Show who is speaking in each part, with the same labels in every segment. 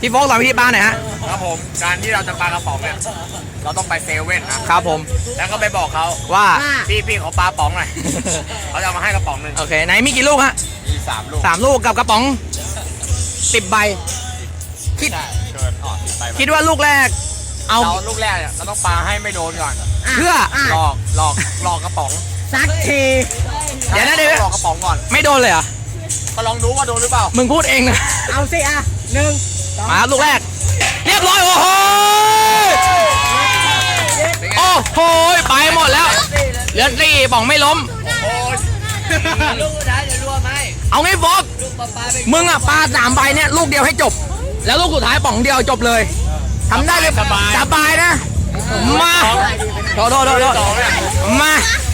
Speaker 1: พี่โฟกสอนวิธีปลาหน่อยฮะ
Speaker 2: ครับผมการที่เราจะปลากระป๋องเนี่ยเราต้องไปเซเว่นนะครับ
Speaker 1: ผม
Speaker 2: แล้วก็ไปบอกเขา
Speaker 1: ว่า
Speaker 2: พี่ขอปลาป๋องหน่อย เขาจะเอามาให้กระป๋องหนึ่ง
Speaker 1: โอเคไหนมีกี่ลูกฮะ
Speaker 2: มี3 ลูก
Speaker 1: 3 ลูกกับกระป๋อง10 ใบคิด
Speaker 2: ใช่เกิน10 ใบ
Speaker 1: คิดว่าลูกแรกเอา
Speaker 2: เราลูกแรกเนี่ยเราต้องปลาให้ไม่โดนก่อน
Speaker 1: เพื่อ
Speaker 2: หลอกกระป๋อง
Speaker 3: สักที
Speaker 1: เดี๋ยวนะเดี๋ยวนะ
Speaker 2: หลอกกระป๋องก่อน
Speaker 1: ไม่โดนเลยเหรอ
Speaker 2: ก็ลองดูว่าโดนหรือเปล่า
Speaker 1: มึงพูดเองนะ
Speaker 3: เอาสิอ่ะ1 2
Speaker 1: มาครับลูกแรก เรียบร้อยโอ้โหโอ้โหไปหมดแล้วเหลือสี่ป๋องไม่ล้ม
Speaker 2: โอ้ย
Speaker 3: ลูกสุดท้ายจะรวมไหม
Speaker 1: เอาไงโฟก
Speaker 3: ลูกปลาไป
Speaker 1: มึงอ่ะปลา3 ใบเนี่ยลูกเดียวให้จบ แล้วลูกสุดท้ายป๋องเดียวจบเลยทำได้เลยสบายนะมาโทษมา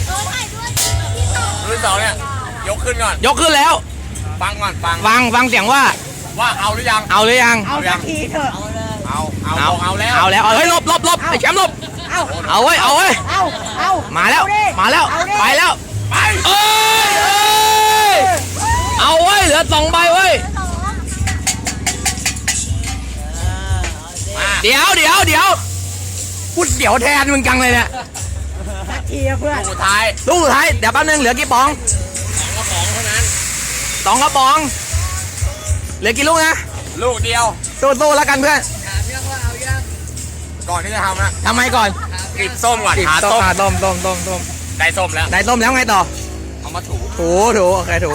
Speaker 2: รุ่น2เนี่ยยกขึ้นก่อน
Speaker 1: ยกขึ้นแล้ว
Speaker 2: ฟังก่อนฟัง
Speaker 1: ฟังเสียงว่า
Speaker 2: ว่าเอาหรือยัง
Speaker 1: เอาหรือยัง
Speaker 3: เอาสักทีเถอะ
Speaker 2: เอาแล้ว
Speaker 1: เอาแล้วเฮ้ยหลบไอ้แชมป์หลบ
Speaker 3: เอา
Speaker 1: เอาเว้ย
Speaker 3: เอา
Speaker 1: มาแล้ว
Speaker 3: เอาดิ
Speaker 1: ไปแล้วไปเอ้ยเอาเว้ยเหลือ2 ใบเว้ยเดี๋ยวพูดเดี๋ยวแทนมึงจังเลยเนี่ย
Speaker 3: สักทีอะเพื่อน
Speaker 2: สุดท้าย
Speaker 1: ลูกสุดท้ายเดี๋ยวแป๊บนึงเหลือกี่ป๋อง
Speaker 2: กระป๋องเท่านั้น
Speaker 1: 2 กระป๋องเหลือกี่ลูกนะ
Speaker 2: ลูกเดียว
Speaker 1: สู้ๆแล้วกันเพื่อน
Speaker 3: ถามยังว่าเอายัง
Speaker 2: ก่อนที่จะทำนะ
Speaker 1: ทำไมก่อน
Speaker 2: กรีบส้มก่อนหา
Speaker 1: ต้
Speaker 2: ส้ม
Speaker 1: ม
Speaker 2: ได้ส้มแล้ว
Speaker 1: ได้ต้มแล้วไงต่อ
Speaker 2: เอามาถู
Speaker 1: ถูโอเคถู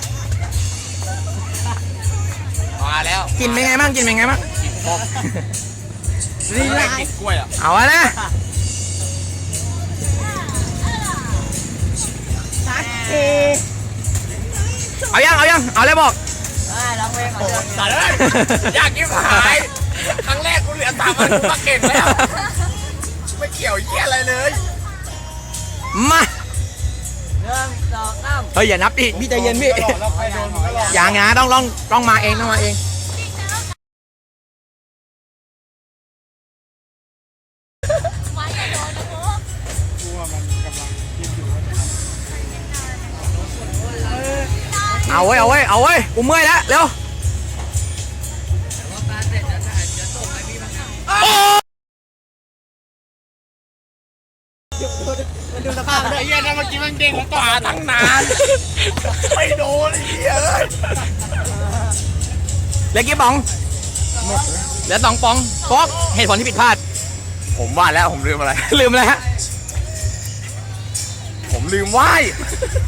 Speaker 2: มาแล้ว
Speaker 1: กินเป็นไงบ้าง
Speaker 2: กรีบส้ม
Speaker 3: ลีลา
Speaker 2: กินกล้วยอ่ะ
Speaker 1: เอาอะนะ
Speaker 3: สักที
Speaker 1: เอายังเอาเลยบอก
Speaker 3: ร้องเพลงก่อน
Speaker 2: ตัดเลยอยากกินหายครั้งแรกกูเหลือ3 วันกูก็เก่งแล้วไม่เกี่ยวเยี่ยอะไรเลย
Speaker 1: มา
Speaker 3: 1 2 3
Speaker 1: เฮ้ยอย่านับดิพี่ใจเย็นพี่
Speaker 2: แล้วใครโดนมึงก็รอ
Speaker 1: อย่างงาต้องมาเองเอาเว้ยกูเมื่อยแล้วเร็วโอ้
Speaker 3: ดูสภาพ
Speaker 2: ไอ้เหี้ยนั่นเมื่อกี้มันเด้งของป่าตั้งนานไม่โดนไอ้เหี้ยเอ้ย
Speaker 1: เหลือกี่ป๋องเหลือ2 ป๋องฟอกเหตุผลที่ผิดพลาด
Speaker 2: ผมว่าแล้วผมลืมอะไร
Speaker 1: ลืมอะไรฮะ
Speaker 2: ผมลืมไหว้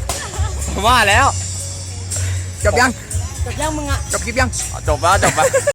Speaker 1: ผมว่าแล้ว จบยัง
Speaker 3: จบยังมึงอะ
Speaker 1: จบคลิปยัง
Speaker 2: จบแล้ว